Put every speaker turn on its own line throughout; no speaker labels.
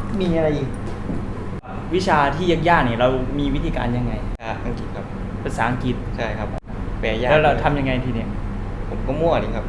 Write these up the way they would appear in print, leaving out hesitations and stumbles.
มีอะไรอีกวิชาที่ยากๆเนี่ยเรามีวิธีการยังไง
อังกฤษครับ
ภาษาอังกฤษ
ใช่ครับแปลยาก
แล้วเราทำยังไงทีเนี้ย
ผมก็มั่วนี่ครับ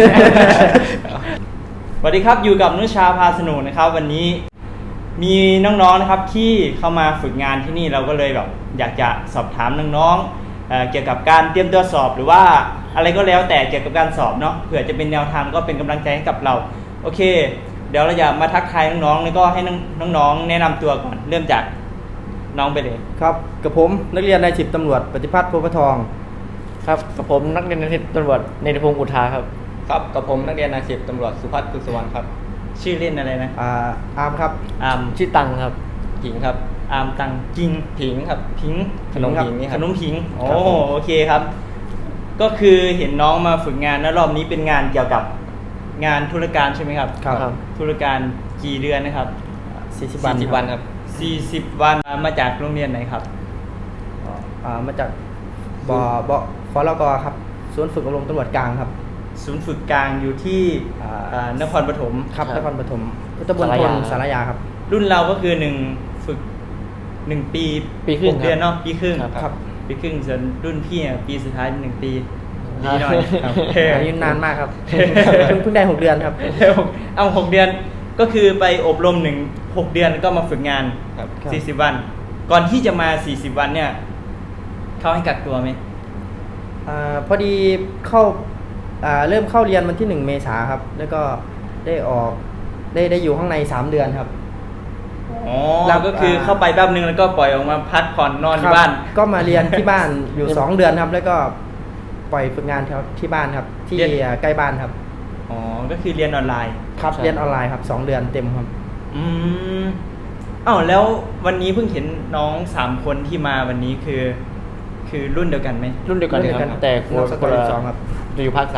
สวัสดีครับอยู่กับนุชาพาสนุกนะครับวันนี้มีน้องๆนะครับที่เข้ามาฝึกงานที่นี่เราก็เลยแบบอยากจะสอบถามน้องๆเกี่ยวกับการเตรียมตัวสอบหรือว่าอะไรก็แล้วแต่เกี่ยวกับการสอบเนาะเผื่อจะเป็นแนวทางก็เป็นกำลังใจให้กับเราโอเคเดี๋ยวเราจะมาทักทายน้องๆแล้วก็ให้น้องๆแนะนำตัวก่อนเริ่มจากน้องไปเลย
ครับกับผมนักเรียนนายสิบตำรวจปฏิพัฒน์โพธิ์ทอง
ครับกับผมนักเรียนนายสิบตำรวจเนติพงศ์อุทาครับ
ครับกับผมนักเรียนนายสิบตำรวจสุพัฒน์คุณสวรรค์ครับ
ชื่อเล่นอะไรนะ
อาร์มครับ
อาร์ม
ชื่อตังครับ
ผิงครับ
อาร์มตังกิง
ผิงครับ
ผิง
ขนมผิงนี่ครับ
ขนมผิงโอเคครับก็คือเห็นน้องมาฝึกงานนะรอบนี้เป็นงานเกี่ยวกับงานธุรการใช่ไหมครับ
ครับ
ธุรการกี่เดือนนะครับ
40 วัน
ครับ
40 วันมาจากโรงเรียนไหนครับ
มาจากฟลกครับศูนย์ฝึกอบรมตำรวจกลางครับ
ศูนย์ฝึกกลางอยู่ที่นครปฐม
ครับนครปฐมพุทธมณฑลสารยาครับ
รุ่นเราก็คือ1ฝึก1ปี
ครึ่ง
เดือนเนาะปีครึ่ง
ครับ
ปีครึ่งส่วนรุ่นพี่ปีสุดท้าย1ปีดีหน่อยครับ
อันนี้นานมากครับเพิ่งได้6 เดือนครับ
เอา6 เดือนก็คือไปอบรม6 เดือนก็มาฝึกงาน40 วันก่อนที่จะมา40 วันเนี่ยเขาให้กักตัวไหม
พอดีเข้าเริ่มเข้าเรียนวันที่1 เมษายนครับแล้วก็ได้ออกได้อยู่ข้างใน3 เดือนครับ
เราก็คือเข้าไปแป๊บนึงแล้วก็ปล่อยออกมาพักผ่อนนอนที่บ้าน
ก็มาเรียนที่บ้านอยู่2 เดือนครับแล้วก็ปล่อยฝึกงานที่บ้านครับที่ใกล้บ้านครับ
ก็คือเรียนออนไลน์
ครับเรียนออนไลน์ครับ2 เดือนเต็มครับ
แล้ววันนี้เพิ่งเห็นน้อง3 คนที่มาวันนี้คือรุ่นเดียวกันไหม
รุ่นเดียวกันครับแต่คนละ2ครับจะอยู่ภาค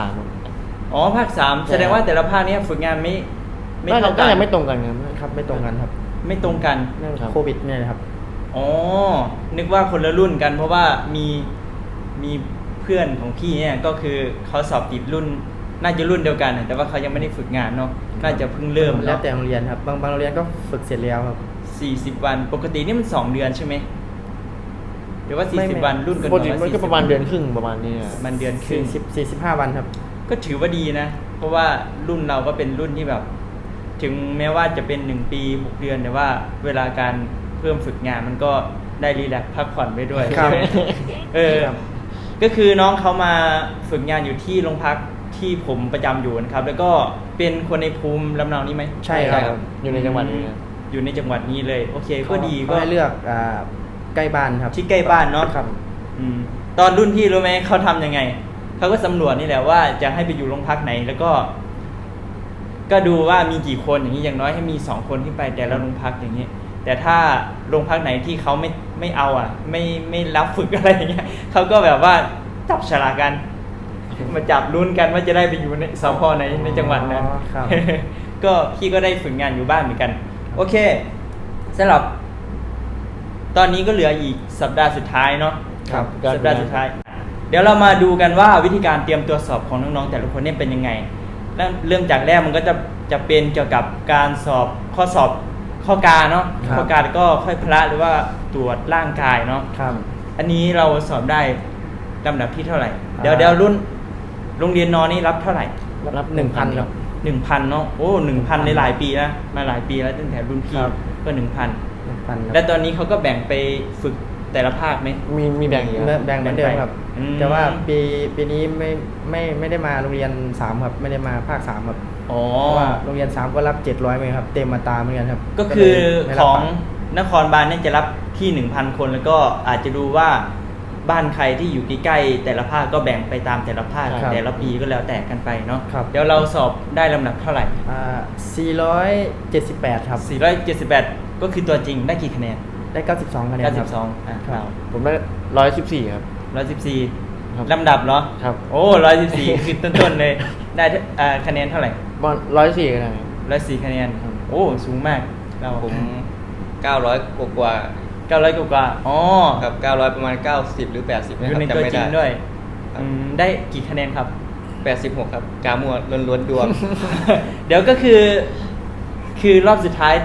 3
ภาค3แสดงว่าแต่ละภาคนี้ฝึกงานไม่เท่ากัน
ไม่ตรงกัน
ครับไม่ตรงกันครับ
ไม่ตรงกัน
เรื่องโควิดเนี่ยนะครับ
นึกว่าคนละรุ่นกันเพราะว่ามีเพื่อนของพี่เนี่ยก็คือเขาสอบติดรุ่นน่าจะรุ่นเดียวกันแต่ว่าเขายังไม่ได้ฝึกงานเนาะน่าจะเพิ่งเริ่ม
แล้วแต่โรงเรียนครับบางโรงเรียนก็ฝึกเสร็จแล้วครับ
40 วันปกตินี่มัน2 เดือนใช่ไหมหรือว่า40 วันรุ่นกัน
ปกติมันก็ประมาณเดือนครึ่งประมาณนี้
มันเดือนครึ่ง
45 วันครับ
ก็ถือว่าดีนะเพราะว่ารุ่นเราก็เป็นรุ่นที่แบบถึงแม้ว่าจะเป็น1 ปี6 เดือนแต่ว่าเวลาการเพิ่มฝึกงานมันก็ได้รีแลกซ์พักผ่อนไปด้วย
ครับ
ก็คือน้องเขามาฝึกงานอยู่ที่โรงพักที่ผมประจำอยู่นะครับแล้วก็เป็นคนในภูมิลำเนานี้ไหม
ใช่ครับ
อยู่ในจังหวัดนี้
อยู่ในจังหวัดนี้เลยโอเคก็ดี
ก็ให้เลือกใกล้บ้านครับ
ที่ใกล้บ้านเนาะ
ครับ
ตอนรุ่นพี่รู้ไหมเขาทำยังไงเขาก็สำรวจนี่แหละว่าจะให้ไปอยู่โรงพักไหนแล้วก็ดูว่ามีกี่คนอย่างนี้อย่างน้อยให้มี2 คนที่ไปแต่ละโรงพักอย่างนี้แต่ถ้าโรงพักไหนที่เขาไม่เอาไม่รับฝึกอะไรอย่างเงี้ยเขาก็แบบว่าจับฉลากกันมาจับลุ้นกันว่าจะได้ไปอยู่ในสพไหนในจังหวัดนั้นก็พี่ก็ได้ฝึกงานอยู่บ้านเหมือนกันโอเคสำหรับตอนนี้ก็เหลืออีกสัปดาห์สุดท้ายเนาะสัปดาห์สุดท้ายเดี๋ยวเรามาดูกันว่าวิธีการเตรียมตัวสอบของน้องๆแต่ละคนเนี่ยเป็นยังไงเริ่มจากแรกมันก็จะเป็นเกี่ยวกับการสอบข้อกาเนาะข้อกาก็ค่อยพละหรือว่าตรวจร่างกายเนาะอันนี้เราสอบได้ลำดับที่เท่าไหร่เดี๋ยวรุ่นโรงเรียนนอนนี่รับเท่าไหร่
รับ 1,000 ครับ
1,000 เนาะ1,000ในหลายปีแล้วมาหลายปีแล้วตั้งแต่รุ่นพี่ก็ 1,000 แล้วตอนนี้เขาก็แบ่งไปฝึกแต่ละภาคไหม
มีแบ่งอยู่
แบ่งเหมือนเดิมครับแต่ว่าปีนี้ไม่ได้มาโรงเรียน3ครับไม่ได้มาภาค3ครับเพราะว่าโรงเรียน3ก็รับ700ไหมครับเต็มมาตาเหมือนกันครับ
ก็คือของนครบาลเนี่ยจะรับที่ 1,000 คนแล้วก็อาจจะดูว่าบ้านใครที่อยู่ใกล้ๆแต่ละภาคก็แบ่งไปตามแต่ละภาคแต่ละปีก็แล้วแต่กันไปเนาะเดี๋ยวเราสอบได้ลำดับเท่าไหร่
478ครับ
478ก็คือตัวจริงได้กี่คะแนน
ได้92 คะแนนครับ
92ผมได้114ครับ
114ลำดับเหรอ
ครับ
114คือต้นๆเลยได้คะแนนเท่าไหร่
104คะแนน
104คะแนนสูงมาก
ผม900กว่า
ครับ
900ประมาณ90หรือ80นะครับ
จำไม่ได้ด้วยได้กี่คะแนนครับ
86ครับกามัวล้วนๆดวง
เดี๋ยวก็คือรอบสุดท้าย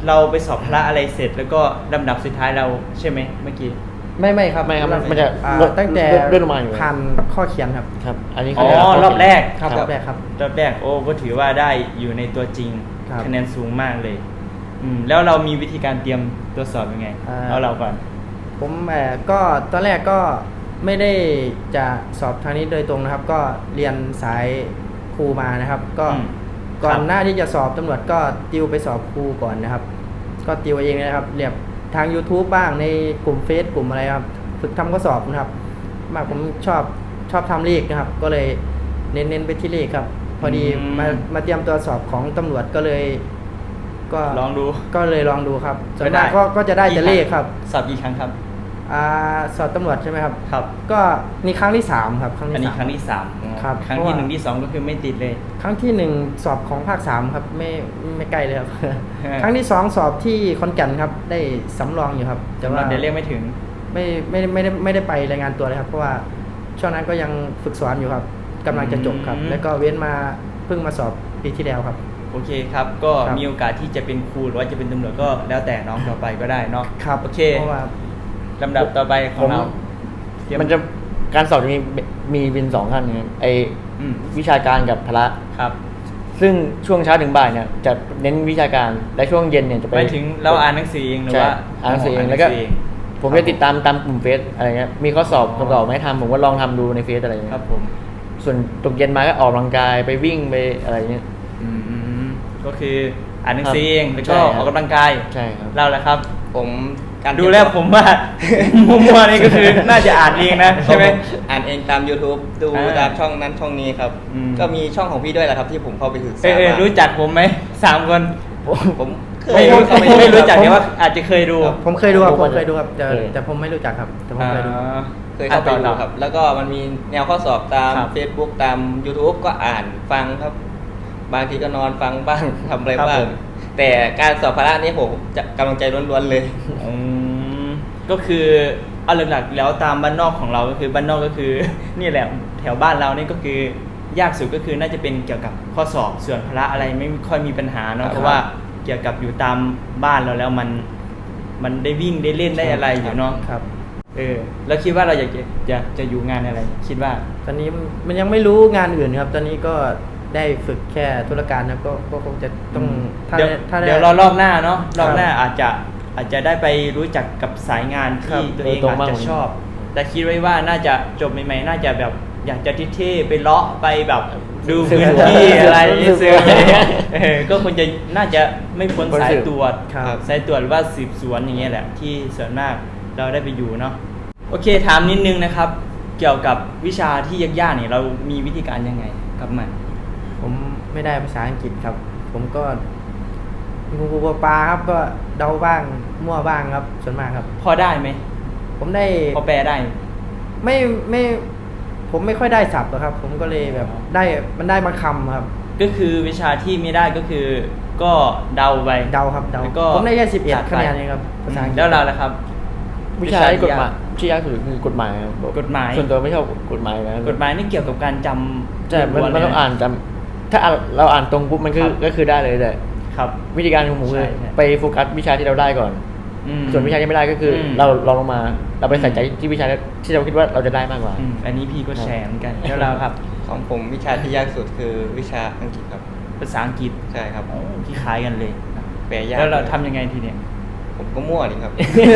เราไปสอบพละอะไรเสร็จ แล้วก็ลำดับสุดท้ายเราใช่ไหมเมื่อกี้
ไม่ครับ
ไม่ครับมันจะ
ตั้งแต่
เลื่อนลงมาอยู่
ผ่านข้อเขียนครับ
ครับ อันนี้
อ๋
เขา
อ
เยก
รอบแรก
ครับรอบแรกครับ
รอบแรกโอ้ก็ถือว่าได้อยู่ในตัวจริง
ครับ
คะแนนสูงมากเลย แล้วเรามีวิธีการเตรียมตัวสอบยังไง เอาเราก่อน
ผมก็ตอนแรกก็ไม่ได้จะสอบทางนี้โดยตรงนะครับ ก็เรียนสายครูมานะครับ ก็
อืม
ก่อ
ครั
น
บ
หน้าที่จะสอบตำรวจก็ติวไปสอบครูก่อนนะครับ ก็ติวเองนะครับเรียบทาง YouTube บ้างในกลุ่มเฟซกลุ่มอะไรครับฝึกทำข้อสอบนะครับ มากผมชอบทำเลขนะครับ ก็เลยเน้นไปที่เลขครับ พอดีมาเตรียมตัวสอบของตำรวจก็เลย ก็
ลองดู
ก็เลยลองดูครับส่วน
ได้
มากก็จะได้แต่เลขครับ
สอบกี่ครั้งครับ
สอบตำรวจใช่ไหมครับ
ครับ
ก็นี่ครั้งที่3ครับครั้ง
อัน
ที่
นี้
สาม
ครั้งที่สาม
ครับ
ครั้ง
เพราะ
ที่
ว่า
1ที่2ก็คือไม่ติดเลย
ครั้งที่1สอบของภาค3ครับไม่ใกล้เลยครับ
ฮะ
ครั้งที่2สอบที่ขอนแก่นครับ ได้สำรองอยู่ครับ แต่ว่า
เดี๋ยวเรียกไม่ถึง
ไม่ได้ไปรายงานตัวเลยครับ เพราะว่าช่วงนั้นก็ยังฝึกสอนอยู่ครับกำลังจะจบครับ แล้วก็เว้นมาเพิ่งมาสอบปีที่แล้วครับ
โอเคครับ ก็
ครับ
มีโอกาสที่จะเป็นครูหรือว่าจะเป็นตำรวจก็แล้วแต่น้องต่อไปก็ได้เนาะ
ครับ
โอเค
เพราะว่า
ลำดับต่อไปของเราเตรีย
มันจะการสอบจะมีเป็น2ขั้นนะครับไอ
อืม
วิชาการกับพละ
ครับ
ซึ่งช่วงเช้าถึงบ่ายเนี่ยจะเน้นวิชาการและช่วงเย็นเนี่ยจะไป
ไปถึงเราอ่านหนังสือเองหรือ
ใช่
ว่า
อ่านหนังสือเองแล้วก็ ผมจะติดตามกลุ่มเฟซอะไรเงี้ยมีข้อสอบคำตอบไม่ทำผมก็ลองทำดูในเฟซอะไรเงี้ย
ครับผม
ส่วนตกเย็นมาก็ออกกำลังกายไปวิ่งไปอะไรเงี้ย
อืมก็คืออ่านหนังสือเองแล้วก็
ใช่ครับ
ออกกำลังกาย
ใช่ครับ
เราแหละครับ
ผมการ
ดูแล้วผมว่า มั่วๆนี่ก็คือน่าจะอ่านเองนะใช่ไหม
อ่านเองตาม YouTube ดู
อ่า
ตามช่องนั้นช่องนี้ครับ
อืม
ก็มีช่องของพี่ด้วยแหละครับที่ผมเข้าไปศึกษา
เออ
มา
รู้จักผมไหม3 คน
ผมเค
ไม่
ย
รู้
เข้าป
ไม่รู้จัก
ผม
แต่ว่าอาจจะเคยดู
ผมเคยดูครับ
ผม
ผมเคยดูครับแต่
เคย
แต่ผมไม่รู้จักครับ แต่ผมเคยดู
เคยเข้าไปดูครับ แล้วก็มันมีแนวข้อสอบตาม
ครับ
Facebook ตาม YouTube ก็อ่านฟังครับ บางทีก็นอนฟังบ้าง ทำอะไร
ครับ
บ้า
ผ
ง
ม
แต่การสอบพละนี่ผมจะกำลังใจล้วนๆเลย
อืมก็คือเอาหลักๆแล้วตามบ้านนอกของเราก็คือบ้านนอกก็คือ นี่แหละแถวบ้านเรานี่ก็คือยากสุดก็คือน่าจะเป็นเกี่ยวกับข้อสอบส่วนพละอะไรไม่ค่อยมีปัญหาเนาะ
ครับ
เพราะว่าเกี่ยวกับอยู่ตามบ้านเราแล้วมันได้วิ่งได้เล่นได้อะไรอยู่เนาะ
ครับ
แล้วคิดว่าเราอยากจะอยู่งานอะไร คิดว่า
ตอนนี้มันยังไม่รู้งานอื่นครับ ตอนนี้ก็ได้ฝึกแค่ธุรการนะก็คงจะต้องถ้า
เดี๋ยว
ถ้าได้
เดี๋ยวรอบหน้าเนาะ
ครั
ร
บ
อบหน้าอาจจะได้ไปรู้จักกับสายงาน
ครั
ที่
บ
ตัวเอง
ตรง
อาจ
บ้าง
จะชอบ แต่คิดไว้ว่าน่าจะจบใหม่ๆน่าจะแบบอยากจะเท่ๆไปเลาะไปแบบดูพื้นที่อะไร
สืบ
เสืออะไรเงี้ยก็คงจะน่าจะไม่พ้น
พ้น
สาย
สืบ
ตรวจ
ครับ
สายตรวจหรือว่าสืบสวนอย่างเงี้ยแหละที่ส่วนมากเราได้ไปอยู่เนาะโอเคถามนิดนึงนะครับ เกี่ยวกับวิชาที่ยากๆเนี่ยเรามีวิธีการยังไงกับมัน
ผมไม่ได้ภาษาอังกฤษครับ ผมก็งูปลาครับก็เดาบ้างมั่วบ้างครับส่วนมากครับ
พอได้ไหม
ผมได้
พอแปลได้
ไม่ผมไม่ค่อยได้ศัพท์หรอกครับ ผมก็เลยแบบมันได้บางคำครับ
ก็คือวิชาที่ไม่ได้ก็คือก็เดาไป
เดาครับเดา
แล้วก็
ผมได้แค่
จัด
11
ไป
คะแนนเองครับภาษาอังกฤษ
แล้วเราล่ะครับ
วิชาที่กฎหมายที่ยากสุดคือกฎหมายครับ
กฎหมาย
ส่วนตัวไม่ชอบกฎหมายนะ
กฎหมายนี่เกี่ยวกับการจำ
ใช่มัน
ล้วนๆ
มัน
เลย
ต้องอ่านจำถ้าเราอ่านตรงปุ๊บมันคือ
ครับ
ก็คือได้เลยแต่
ครับ
วิธีการของผมคือ
ใช่ใช่
ไปโฟกัสวิชาที่เราได้ก่อน
อืม
ส่วนวิชาที่ไม่ได้ก็คืออ
ม
เราลองลงมาเราไปใส่ใจที่วิชาที่เราคิดว่าเราจะได้มากกว่า
อันนี้พี่ก็แชร์เหมือนกันแล้วเราครับ
ของผมวิชาที่ยากสุดคือวิชาอังกฤษครับ
ภาษาอังกฤษ
ใช่ครับ
โอ้ที่คล้ายกันเลยนะ
แปลยาก
แล้วเราทำยังไงทีเนี้ย
ผมก็มั่วดีครับ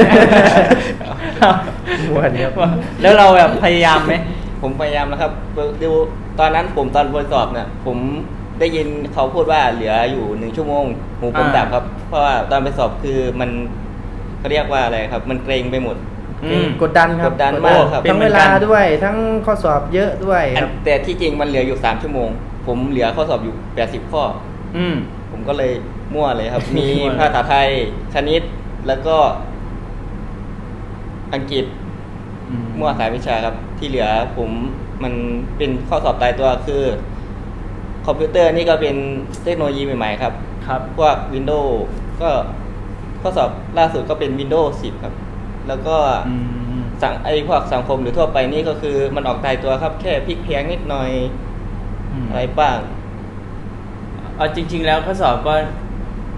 มั่วดีครับ
แล้วเราแบบพยายามไหม
ผมพยายามนะครับดูตอนนั้นผมตอนบนสอบเนี่ยผมได้ยินเขาพูดว่าเหลืออยู่1 ชั่วโมงหูผมดับครับ เพราะว่าตอนไปสอบคือมันเขาเรียกว่าอะไรครับ มันเกรงไปหมด
กดดันครับ
กดดันมากครับ
ทั้งเวลาด้วยทั้งข้อสอบเยอะด้วยครับ
แต่ที่จริงมันเหลืออยู่3 ชั่วโมง ผมเหลือข้อสอบอยู่80 ข้อ
อืม
ผมก็เลยมั่วเลยครับ มี
มั่วเลย
ภาษาไทยคณิตแล้วก็อังกฤษ มั่วสายวิชาครับ ที่เหลือผมมันเป็นข้อสอบตายตัวคือ คอมพิวเตอร์นี่ก็เป็นเทคโนโลยีใหม่ๆครับ
ครับ
พวก Windows ก็ข้อสอบล่าสุดก็เป็น Windows 10 ครับ แล้วก็
อืม
พวกสังคมหรือทั่วไปนี่ก็คือมันออกตายตัวครับ แค่พลิกเพียงนิดหน่อยอะไรบ้าง
เอาจริง ๆ แล้วข้อสอบก็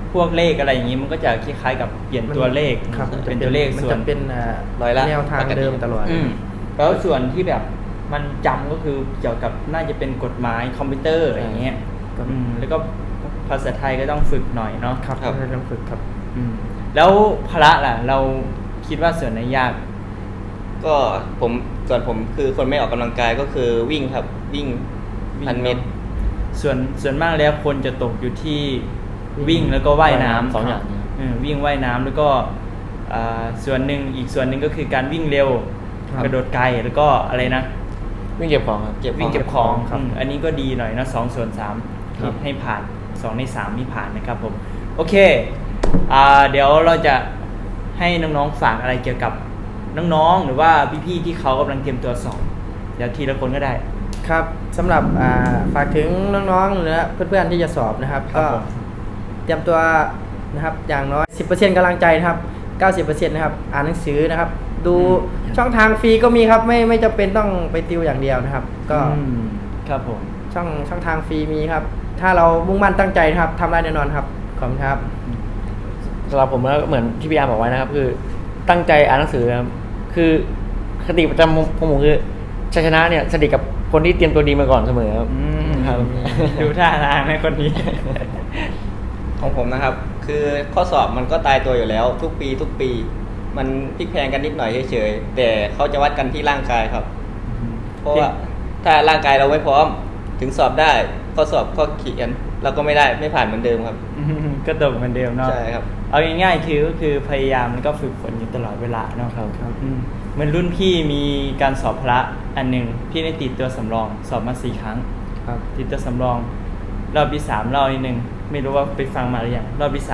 พวกเลขอะไรอย่างนี้มันก็จะคล้ายๆกับเปลี่ยนตัวเลข
ครับ
เป็นตัวเลข
มัน
ส่วน
จะเป็น
ร้อยละ
แนวทางเดิมตลอด
แล้วส่วนที่แบบมันจำก็คือเกี่ยวกับน่าจะเป็นกฎหมายคอมพิวเตอร์อะไรอย่างเงี้ย
ครับ
แล้วก็ภาษาไทยก็ต้องฝึกหน่อยเนาะ
ครับ
ครับ
ต้องฝึกครับ
แล้วพละล่ะ เราคิดว่าส่วนไหนยาก
ก็ส่วนผมคือคนไม่ออกกำลังกายก็คือวิ่งครับ วิ่ง 1,000 เมตร
ส่วนมากแล้วคนจะตกอยู่ที่วิ่งแล้วก็ว่ายน้ำ
สองอย่างนี้
วิ่งว่ายน้ำแล้วก็ส่วนหนึ่งอีกส่วนหนึ่งก็คือการวิ่งเร็ว
ครับ
กระโดดไกลแล้วก็อะไรนะ
วิ่งเก็บของครับ
วิ่งเก็บของ
ครับ
อันนี้ก็ดีหน่อยนะ2/3
ครับ
ให้ผ่าน2 ใน 3นี่ผ่านนะครับผมโอเคเดี๋ยวเราจะให้น้องๆฝากอะไรเกี่ยวกับน้องๆหรือว่าพี่ๆที่เขากำลังเตรียมตัวสอบเดี๋ยวทีละคนก็ได้
ครับสำหรับฝากถึงน้องๆหรือเพื่อนๆที่จะสอบนะครับ
ครับ
ก็
ผม
เตรียมตัวนะครับอย่างน้อย 10% กำลังใจนะครับ 90% นะครับอ่านหนังสือนะครับ ดูช่องทางฟรีก็มีครับไม่จำเป็นต้องไปติวอย่างเดียวนะครับ ก็
ครับผม
ช่องทางฟรีมีครับ ถ้าเรามุ่งมั่นตั้งใจนะครับทำได้แน่นอนครับขอบคุณครับ
สำหรับผมแล้วเหมือนที่พี่อาร์บอกไว้นะครับ คือตั้งใจอ่านหนังสือนะครับคือคติประจำของผมคือชัยชนะเนี่ยสนิทกับคนที่เตรียมตัวดีมาก่อนเสมอครับครับ
ดูท่าทางในคนนี้
ของผมนะครับ คือข้อสอบมันก็ตายตัวอยู่แล้ว ทุกปี มันพลิกแพลงกันนิดหน่อยเฉยๆแต่เขาจะวัดกันที่ร่างกายครับ เพราะว่าถ้าร่างกายเราไม่พร้อมถึงสอบได้ข้อสอบข้อเขียนเราก็ไม่ผ่านเหมือนเดิมครับ
ก็ตกเหมือนเดิมเนาะ
ใช่ครับ
เอาง่ายๆคือก็คือพยายามแล้วก็ฝึกฝนอยู่ตลอดเวลาเนาะ
ครับ
เหมือนรุ่นพี่มีการสอบพละอันหนึ่งพี่ได้ติดตัวสำรองสอบมา4 ครั้ง
ครับ
ติดตัวสำรอง รอบที่3รอบที่1ไม่รู้ว่าไปฟังมาหรือยังรอบที่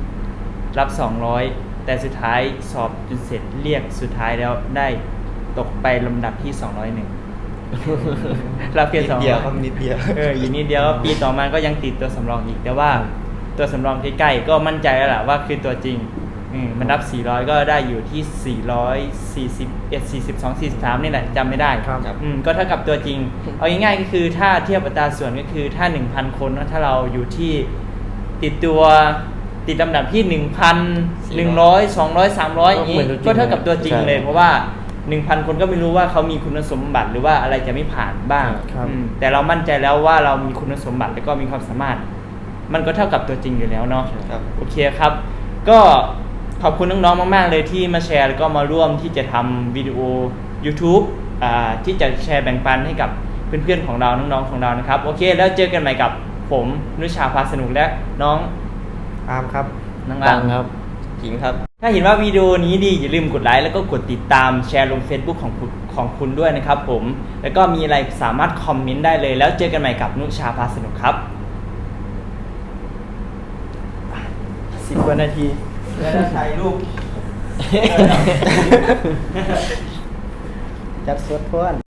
3รับ200แต่สุดท้ายสอบจนเสร็จเรียกสุดท้ายแล้วได้ตกไปลำดับที่201 รับเพียง
นิดเดียวครับ
200
นิดเดียว
อยู่นิดเดียวปีต่อมาก็ยังติดตัวสำรองอีก แต่ว่าตัวสำรองใกล้ๆก็มั่นใจแล้วล่ะว่าคือตัวจริงมันรับ 400 ก็ได้อยู่ที่ 441 42 43นี่แหละจำไม่ได้
ครับ
ก็เท่ากับตัวจริง เอาง่ายๆก็คือถ้าเทียบอัตราส่วนก็คือถ้า 1,000 คนถ้าเราอยู่ที่ติดลำดับที่ 1,100 200 300อย่างนี้
เหมือนตัวจริง
ก็เท่ากับตัวจริงเลย
ใช่
เพราะว่า 1,000 คนก็ไม่รู้ว่าเขามีคุณสมบัติหรือว่าอะไรจะไม่ผ่านบ้าง
ครับ
แต่เรามั่นใจแล้วว่าเรามีคุณสมบัติแล้วก็มีความสามารถ มันก็เท่ากับตัวจริงอยู่แล้วเนาะ
ครับ
โอเคครับ ก็ขอบคุณน้องๆมากๆเลยที่มาแชร์แล้วก็มาร่วมที่จะทำวิดีโอ YouTube ที่จะแชร์แบ่งปันให้กับเพื่อนๆของเราน้องๆของเรานะครับโอเคแล้วเจอกันใหม่กับผมนุชาพาสนุกและน้อง
อาร์มครับ
น้อง
ตั
อาง ม
ครับ
จริงครับ
ถ้าเห็นว่าวิดีโอนี้ดีอย่าลืมกดไลค์แล้วก็กดติดตามแชร์ลง Facebook ของคุณด้วยนะครับผมแล้วก็มีอะไรสามารถคอมเมนต์ได้เลยแล้วเจอกันใหม่กับนุชาพาสนุกครับ10 กว่านาทีแล้วถ่ายรูป
จัดสวดพ้น